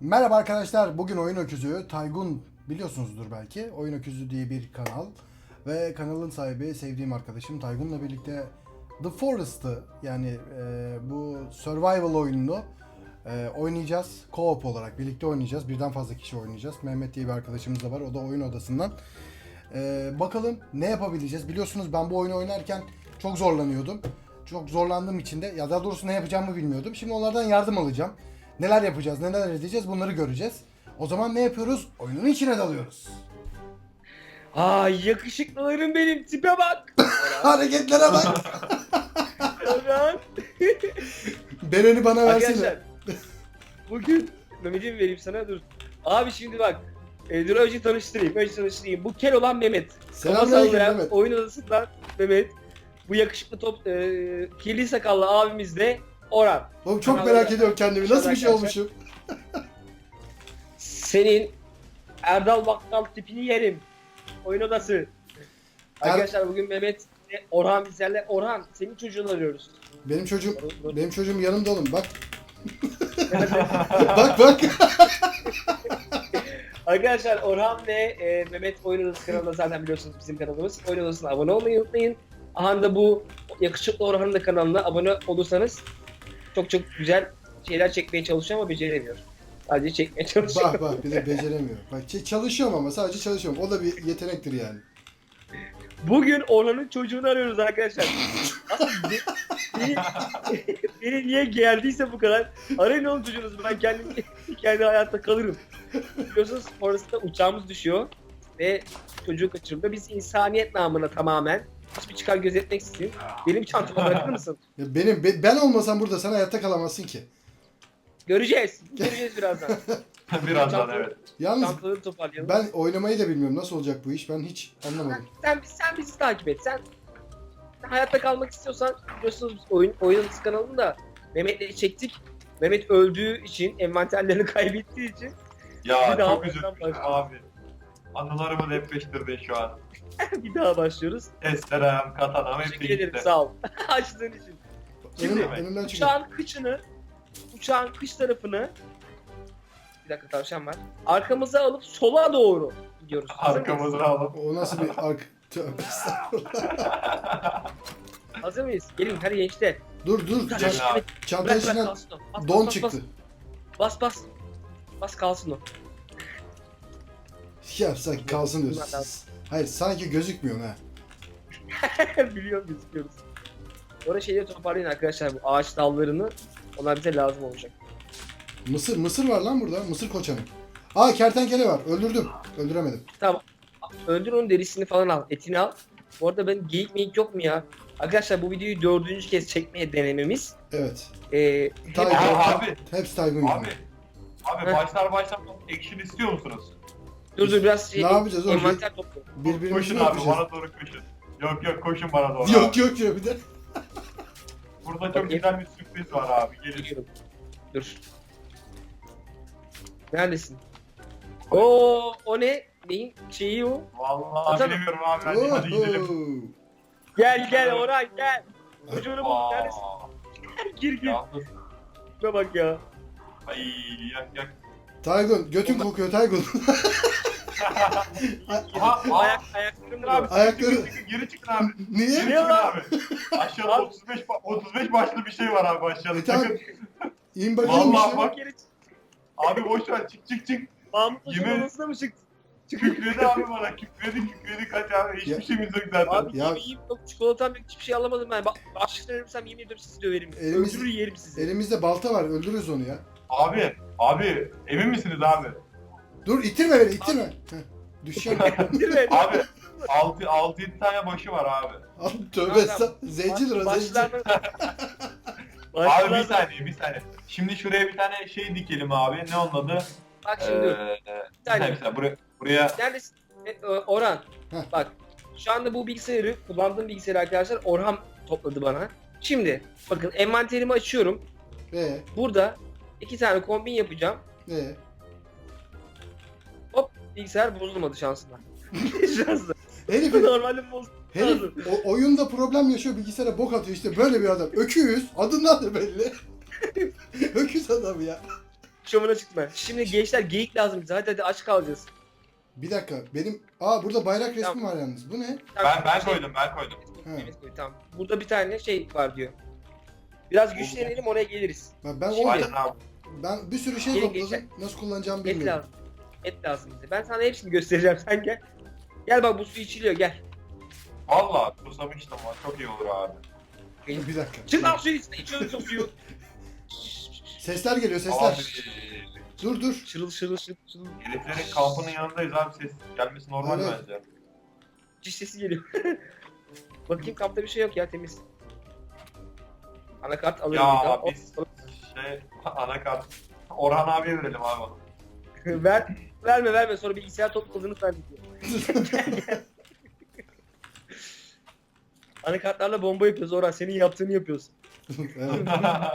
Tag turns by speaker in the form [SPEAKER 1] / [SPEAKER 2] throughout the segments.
[SPEAKER 1] Merhaba arkadaşlar. Bugün Oyun Öküzü, Taygun biliyorsunuzdur belki. Oyun Öküzü diye bir kanal. Ve kanalın sahibi sevdiğim arkadaşım Taygun'la birlikte The Forest'ı yani bu survival oyununu oynayacağız. Co-op olarak birlikte oynayacağız. Birden fazla kişi oynayacağız. Mehmet diye bir arkadaşımız da var. O da oyun odasından. Bakalım ne yapabileceğiz. Biliyorsunuz ben bu oyunu oynarken çok zorlanıyordum. Çok zorlandığım için de ya daha doğrusu ne yapacağımı bilmiyordum. Şimdi onlardan yardım alacağım. Neler yapacağız, neler edeceğiz bunları göreceğiz. O zaman ne yapıyoruz? Oyunun içine dalıyoruz.
[SPEAKER 2] Ay yakışıklılarım benim, tipe bak.
[SPEAKER 1] Hareketlere bak.
[SPEAKER 2] Orhan.
[SPEAKER 1] Bereni bana versene.
[SPEAKER 2] Arkadaşlar bugün Mehmet'imi vereyim sana, dur. Abi şimdi bak. Dur önce tanıştırayım. Bu kel olan Mehmet.
[SPEAKER 1] Selamünaleyküm
[SPEAKER 2] Kafa
[SPEAKER 1] Mehmet.
[SPEAKER 2] oyun odasından Mehmet. Bu yakışıklı kirli sakallı abimiz de Orhan.
[SPEAKER 1] Oğlum çok
[SPEAKER 2] Kanalda-
[SPEAKER 1] merak ediyorum kendimi. Nasıl bir şey
[SPEAKER 2] Arkadaşlar.
[SPEAKER 1] olmuşum?
[SPEAKER 2] Senin Erdal Bakkal tipini yerim. Oyun odası. Arkadaşlar bugün Mehmet ve Orhan bizlerle. Orhan, senin çocuğunu arıyoruz.
[SPEAKER 1] Benim çocuğum,
[SPEAKER 2] Doğru.
[SPEAKER 1] benim çocuğum yanımda oğlum bak. Bak.
[SPEAKER 2] Arkadaşlar Orhan ve Mehmet Oyun Odası kanalında zaten biliyorsunuz bizim kanalımız. Oyun Odası'na abone olmayı unutmayın. Aha da bu yakışıklı Orhan'ın da kanalına abone olursanız çok güzel şeyler çekmeye çalışıyor ama beceremiyor. Sadece çekmeye çalışıyor.
[SPEAKER 1] Bak bir de beceremiyor. Bak çalışıyorum ama sadece çalışıyorum. O da bir yetenektir yani.
[SPEAKER 2] Bugün Orhan'ın çocuğunu arıyoruz arkadaşlar. Aslında beni niye geldiyse bu kadar. Arayın oğlum çocuğunuzu, ben kendi hayatta kalırım. Biliyorsunuz Forest'ta uçağımız düşüyor ve çocuğu kaçırıldı. Biz insaniyet namına tamamen hiçbir çıkar gözetmeksizin benim çantama bırakır mısın?
[SPEAKER 1] Ya ben olmasam burada sen hayatta kalamazsın ki.
[SPEAKER 2] Göreceğiz birazdan.
[SPEAKER 3] Birazdan evet.
[SPEAKER 1] Yalnız
[SPEAKER 2] Çantaları toparlayalım.
[SPEAKER 1] ben oynamayı da bilmiyorum. Nasıl olacak bu iş? Ben hiç anlamadım.
[SPEAKER 2] Sen bizi takip et. Sen hayatta kalmak istiyorsan biliyorsunuz biz oyun kanalında Mehmet'le çektik. Mehmet öldüğü için, envanterlerini kaybettiği için
[SPEAKER 3] Ya
[SPEAKER 2] Bir daha
[SPEAKER 3] çok üzüldüm
[SPEAKER 2] baştan
[SPEAKER 3] abi. Anılarımı depreştirdin şu an.
[SPEAKER 2] bir daha başlıyoruz.
[SPEAKER 3] Testerem, katanam hepsi
[SPEAKER 2] Teşekkür ederim,
[SPEAKER 3] gitti.
[SPEAKER 2] sağ ol. Açtığın için.
[SPEAKER 3] Şimdi
[SPEAKER 1] Önümden çıkın.
[SPEAKER 2] Uçağın kış tarafını, bir dakika tavşan var. Arkamıza alıp sola doğru gidiyoruz. Hazır mıyız?
[SPEAKER 3] Arkamızı alıp.
[SPEAKER 1] O nasıl bir Tövbe estağfurullah.
[SPEAKER 2] Hazır mıyız? Gelin hadi gençler.
[SPEAKER 1] Dur.
[SPEAKER 3] Gelin
[SPEAKER 1] Çanta
[SPEAKER 3] abi.
[SPEAKER 2] Bırak
[SPEAKER 1] içinden
[SPEAKER 2] kalsın o.
[SPEAKER 1] don çıktı.
[SPEAKER 2] Bas kalsın o.
[SPEAKER 1] Ya sanki kalsın diyorsun. Hayır sanki gözükmüyor ha.
[SPEAKER 2] Biliyorum, gözüküyoruz. Orada şeyleri toparlayın arkadaşlar, bu ağaç dallarını. Onlar bize lazım olacak.
[SPEAKER 1] Mısır var lan burada. Mısır koçanı. Aa kertenkele var. Öldürdüm. Öldüremedim.
[SPEAKER 2] Tamam. Öldür onun derisini falan al. Etini al. Bu arada ben geyik yok mu ya? Arkadaşlar bu videoyu 4. kez çekmeye denememiz.
[SPEAKER 1] Evet.
[SPEAKER 2] Hep
[SPEAKER 1] Taygun.
[SPEAKER 3] Abi.
[SPEAKER 1] Hepsi Taygun
[SPEAKER 3] Abi.
[SPEAKER 1] gibi.
[SPEAKER 3] Abi
[SPEAKER 2] Heh.
[SPEAKER 3] başlamaz action istiyor musunuz?
[SPEAKER 2] dur biraz
[SPEAKER 1] Ne yapacağız oğlum?
[SPEAKER 2] envanter topla.
[SPEAKER 1] Birbirimizi
[SPEAKER 3] Koşun
[SPEAKER 1] mi
[SPEAKER 3] abi
[SPEAKER 1] yapacağız?
[SPEAKER 3] bana doğru koşun. Yok koşun bana doğru.
[SPEAKER 1] Yok
[SPEAKER 3] abi.
[SPEAKER 1] yok ya bir de.
[SPEAKER 3] Burada çok güzel bir sürpriz var abi. Gelin.
[SPEAKER 2] Geliyorum. Dur. Neredesin? O ne? Neyin şeyi o?
[SPEAKER 3] Vallahi
[SPEAKER 2] Atalım.
[SPEAKER 3] bilmiyorum abi. Hadi gidelim.
[SPEAKER 1] Oho.
[SPEAKER 2] Gel Orhan gel. Çocuğunu bul. Neredesin? Gir.
[SPEAKER 3] Yalnız.
[SPEAKER 2] Şuna bak ya.
[SPEAKER 3] Ay yak.
[SPEAKER 1] Taygun götün kokuyor Taygun.
[SPEAKER 2] Ayaklarım
[SPEAKER 3] Abi
[SPEAKER 2] duruyor.
[SPEAKER 1] Ayakları-
[SPEAKER 3] geri çıkın abi.
[SPEAKER 1] Niye?
[SPEAKER 3] Geri
[SPEAKER 2] Niye
[SPEAKER 3] çıkın
[SPEAKER 2] lan?
[SPEAKER 3] abi. Aşağıda 35 başlı bir şey var abi aşağıda.
[SPEAKER 1] Tamam.
[SPEAKER 3] Çıkın.
[SPEAKER 1] İn bakayım.
[SPEAKER 3] Vallahi
[SPEAKER 1] işte.
[SPEAKER 3] bak. Abi boş ver çık.
[SPEAKER 2] Mahmut Hoş'un
[SPEAKER 3] Yemin-
[SPEAKER 2] odasına mı çıktı?
[SPEAKER 3] Kükredi abi bana kükredi kaç abi. Hiçbir
[SPEAKER 1] Ya-
[SPEAKER 3] şeyimiz yok zaten.
[SPEAKER 2] Abi
[SPEAKER 1] Ya-
[SPEAKER 2] yemeğim yok, çikolatam yok, hiçbir şey alamadım ben. Bak başlıktan ölürsem yemin ediyorum sizi döverim.
[SPEAKER 1] Elimiz-
[SPEAKER 2] Öldürür yerim sizi.
[SPEAKER 1] Elimizde balta var. Öldürürüz onu ya.
[SPEAKER 3] Abi emin misiniz abi?
[SPEAKER 1] Dur ittirme beni ittirme. Heh, düşeceğim.
[SPEAKER 2] Değil mi?
[SPEAKER 3] Abi 6-7 tane başı var abi.
[SPEAKER 1] Al, Tövbe
[SPEAKER 2] Tamam.
[SPEAKER 1] estağfurullah. Zencidir o zenci.
[SPEAKER 2] Başlardan...
[SPEAKER 3] Abi bir saniye. Şimdi şuraya bir tane şey dikelim abi. Ne onun adı?
[SPEAKER 2] Bak şimdi
[SPEAKER 3] Bir saniye. Buraya
[SPEAKER 2] neredesin? Orhan.
[SPEAKER 1] Heh.
[SPEAKER 2] Bak şu anda bu bilgisayarı, kullandığım bilgisayarı arkadaşlar Orhan topladı bana. Şimdi bakın envanterimi açıyorum. Burada 2 tane kombin yapacağım. Bilgisayar bozulmadı şansına. Şansına.
[SPEAKER 1] Herif,
[SPEAKER 2] Normalde bozulmadı.
[SPEAKER 1] herif oyunda problem yaşıyor bilgisayara bok atıyor işte böyle bir adam. Öküz. Adından da belli. Öküz adam ya.
[SPEAKER 2] şovuna çıkma. Şimdi gençler geyik lazım bize. Hadi aç kalacağız.
[SPEAKER 1] Bir dakika benim... Burada bayrak resmi
[SPEAKER 2] Tamam.
[SPEAKER 1] var yalnız. Bu ne?
[SPEAKER 3] Ben
[SPEAKER 2] Şey-
[SPEAKER 3] koydum.
[SPEAKER 1] He.
[SPEAKER 2] Evet, koy, tamam. Burada bir tane şey var diyor. Biraz güçlenelim oraya geliriz.
[SPEAKER 1] Ben
[SPEAKER 2] Şimdi-
[SPEAKER 3] Aynen abi.
[SPEAKER 1] Ben bir sürü şey
[SPEAKER 2] Gelin
[SPEAKER 1] topladım.
[SPEAKER 2] gençler.
[SPEAKER 1] Nasıl kullanacağımı
[SPEAKER 2] Et
[SPEAKER 1] bilmiyorum.
[SPEAKER 2] lazım. Et lazım bize. Ben sana hepsini göstereceğim. Sen gel. Gel bak bu su içiliyor gel.
[SPEAKER 3] Valla susamıştım var. Çok iyi olur abi.
[SPEAKER 1] Bir dakika.
[SPEAKER 2] Çık lan suyu içine. İçiyoruz o suyu.
[SPEAKER 1] Sesler geliyor sesler.
[SPEAKER 3] Abi
[SPEAKER 1] Dur.
[SPEAKER 2] Şırıl şırıl şırıl şırıl.
[SPEAKER 3] heriflerin kampının yanındayız abi. Ses gelmesi normal
[SPEAKER 1] Evet.
[SPEAKER 3] bence.
[SPEAKER 2] Ciş sesi geliyor. Bakayım kampta bir şey yok ya temiz. Anakart alırım.
[SPEAKER 3] Ya
[SPEAKER 2] bir daha.
[SPEAKER 3] biz anakart. Orhan abiye verelim abi onu.
[SPEAKER 2] Verme sonra bilgisayar topladığını zannediyor. Anakartlarla bomba yapıyoruz Orhan senin yaptığını yapıyoruz.
[SPEAKER 1] Evet.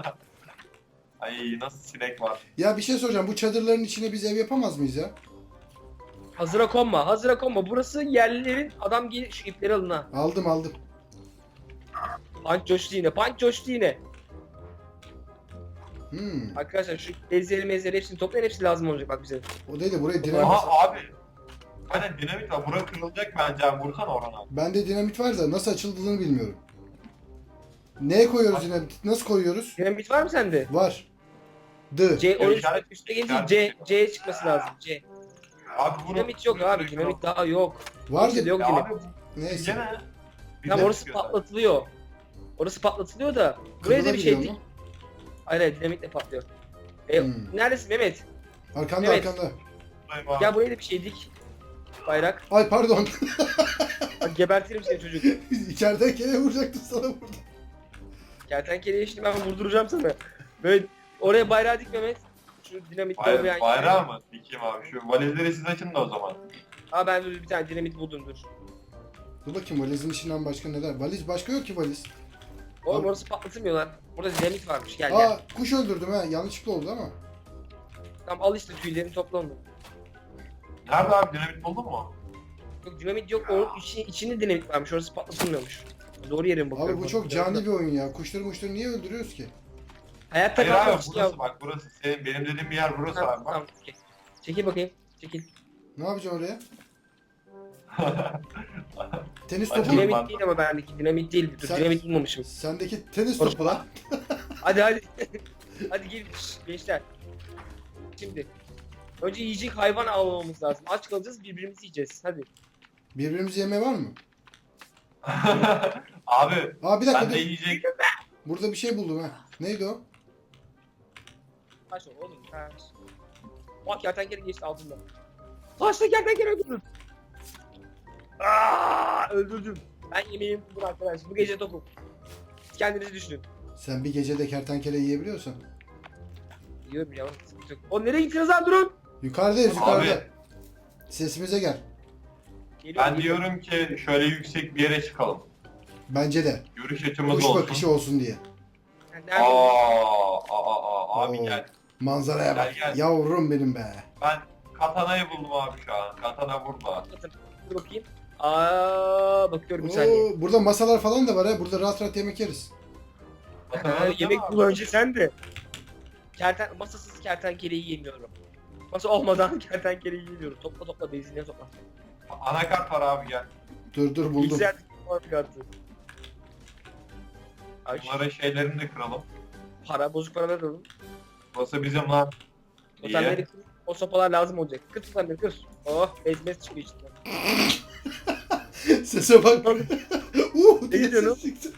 [SPEAKER 3] Ay nasıl sinek var.
[SPEAKER 1] Ya bir şey soracağım. Bu çadırların içine biz ev yapamaz mıyız ya?
[SPEAKER 2] Hazıra konma. Burası yerlilerin adam gelin şu ipleri alın ha.
[SPEAKER 1] Aldım.
[SPEAKER 2] Punch coştu yine.
[SPEAKER 1] Hmm.
[SPEAKER 2] Arkadaşlar şu bezleri hepsini toplayın hepsi lazım olacak bak bize.
[SPEAKER 1] O değil de buraya dinamit.
[SPEAKER 3] Aha abi. Aynen dinamit var. Bura kırılacak bence abi. Vursana Orhan abi.
[SPEAKER 1] Bende dinamit var da nasıl açıldığını bilmiyorum. Neye koyuyoruz dinamit? Nasıl koyuyoruz?
[SPEAKER 2] Dinamit var mı sende?
[SPEAKER 1] Var.
[SPEAKER 2] C onun
[SPEAKER 3] işaret-
[SPEAKER 2] üstüne gelince C'ye çıkması lazım. C.
[SPEAKER 3] Abi bunu...
[SPEAKER 2] Dinamit yok abi dinamit daha yok.
[SPEAKER 1] Vardı.
[SPEAKER 2] Kimsede yok
[SPEAKER 3] Ya
[SPEAKER 2] dinamit.
[SPEAKER 3] abi
[SPEAKER 1] Neyse.
[SPEAKER 3] gene...
[SPEAKER 2] Tamam orası patlatılıyor. Orası patlatılıyor da buraya da bir şey
[SPEAKER 1] Kırılabiliyor
[SPEAKER 2] dik.
[SPEAKER 1] mu?
[SPEAKER 2] Hayır dinamitle patlıyor.
[SPEAKER 1] Hmm.
[SPEAKER 2] Neredesin Mehmet?
[SPEAKER 1] Arkanda
[SPEAKER 2] Evet.
[SPEAKER 1] arkanda.
[SPEAKER 2] Ya buraya da bir şey dik. Bayrak.
[SPEAKER 1] Ay pardon.
[SPEAKER 2] Bak gebertirim seni çocuk.
[SPEAKER 1] İçeriden kere vuracaktım sana vurdum.
[SPEAKER 2] Kertenkeleye şimdi ben vurduracağım sana. Böyle oraya bayrağı dik Mehmet. Şu dinamitle olmayan.
[SPEAKER 3] Bayrağı mı? Dikeyim abi. Şu valizleri siz açın da o zaman.
[SPEAKER 2] Aa ben dur bir tane dinamit buldum dur.
[SPEAKER 1] Dur bakayım valizin içinden başka neler? Valiz başka yok ki valiz.
[SPEAKER 2] Oğlum
[SPEAKER 1] Abi-
[SPEAKER 2] orası patlatılmıyor lan. Burada dinamit varmış gel.
[SPEAKER 1] Kuş öldürdüm ha. Yanlışlıkla oldu ama.
[SPEAKER 2] Tamam al işte tüylerini topla onu.
[SPEAKER 3] Nerede abi? Dinamit buldun mu?
[SPEAKER 2] Yok dinamit yok onun içinde dinamit varmış orası patlatılmıyormuş. Doğru yere mi bakıyorum?
[SPEAKER 1] Abi bu çok cani bir oyun ya. Kuşları niye öldürüyoruz ki?
[SPEAKER 2] Hayatta
[SPEAKER 3] Hayır abi
[SPEAKER 2] kalmak için ya.
[SPEAKER 3] burası bak burası. Benim dediğim bir yer burası
[SPEAKER 2] Tamam,
[SPEAKER 3] abi bak.
[SPEAKER 2] tamam. Çekil bakayım. Çekil.
[SPEAKER 1] Ne yapacağım oraya? Tenis
[SPEAKER 3] Hadi
[SPEAKER 1] topu.
[SPEAKER 3] dinamit.
[SPEAKER 2] Dinamit değil ama bendeki dinamit değil. Dur
[SPEAKER 1] Sen-
[SPEAKER 2] dinamit bulmamışım.
[SPEAKER 1] Sendeki tenis
[SPEAKER 2] Orası-
[SPEAKER 1] topu lan.
[SPEAKER 2] Hadi. Hadi gel gençler. Şimdi. Önce yiyecek hayvan avlamamız lazım. Aç kalacağız birbirimizi yiyeceğiz. Hadi.
[SPEAKER 1] Birbirimizi yeme var mı?
[SPEAKER 3] Abi
[SPEAKER 1] Bir dakika
[SPEAKER 3] ben de
[SPEAKER 1] dur.
[SPEAKER 3] yiyecek.
[SPEAKER 1] Burada bir şey buldum ha. Neydi o?
[SPEAKER 2] Kaç oğlum kaç. Bak kertenkele geçti altında. Kaçta kertenkele öldürdüm. Öldürdüm. Ben yemeğimi buldum arkadaş. Bu gece tokum. Siz kendinizi düşünün.
[SPEAKER 1] Sen bir gecede kertenkele yiyebiliyorsan.
[SPEAKER 2] Yiyorum ya. Sıkıntı yok. Oğlum nereye gittiniz lan durun.
[SPEAKER 1] Yukarıdayız yukarıda.
[SPEAKER 3] Abi
[SPEAKER 1] Sesimize gel.
[SPEAKER 2] Geliyorum,
[SPEAKER 3] ben
[SPEAKER 2] geliyorum.
[SPEAKER 3] diyorum ki şöyle yüksek bir yere çıkalım.
[SPEAKER 1] Bence de.
[SPEAKER 3] Görüş açımız
[SPEAKER 1] Kuş
[SPEAKER 3] olsun.
[SPEAKER 1] bakışı olsun diye.
[SPEAKER 2] Yani nerede?
[SPEAKER 3] Abi
[SPEAKER 1] Oo.
[SPEAKER 3] gel.
[SPEAKER 1] Manzaraya bak.
[SPEAKER 3] Gel.
[SPEAKER 1] Yavrum benim be.
[SPEAKER 3] Ben katanayı buldum abi şu an. Katana burada.
[SPEAKER 2] Dur bakayım. Bakıyorum bir saniye.
[SPEAKER 1] Burada masalar falan da var ha. Burada rahat rahat yemek yeriz.
[SPEAKER 2] Yemek bul önce sen de. Masasız kertenkeleyi yemiyorum. Masa olmadan kertenkeleyi yemiyorum. Topla benzinliğe topla.
[SPEAKER 3] Anakart var abi gel.
[SPEAKER 1] Dur buldum.
[SPEAKER 2] Bilgisayar var kartı. Ay
[SPEAKER 3] Bunların şeylerini de kıralım.
[SPEAKER 2] bozuk para ver oğlum.
[SPEAKER 3] Burası bizim lan.
[SPEAKER 2] Otelleri
[SPEAKER 3] Niye?
[SPEAKER 2] kır. O sopalar lazım olacak. Kır tutanları kır. Oh bezmez çıkıyor içinden.
[SPEAKER 1] Sese bak.
[SPEAKER 2] Ne
[SPEAKER 1] diye
[SPEAKER 2] diyorsun
[SPEAKER 1] ses çıktı.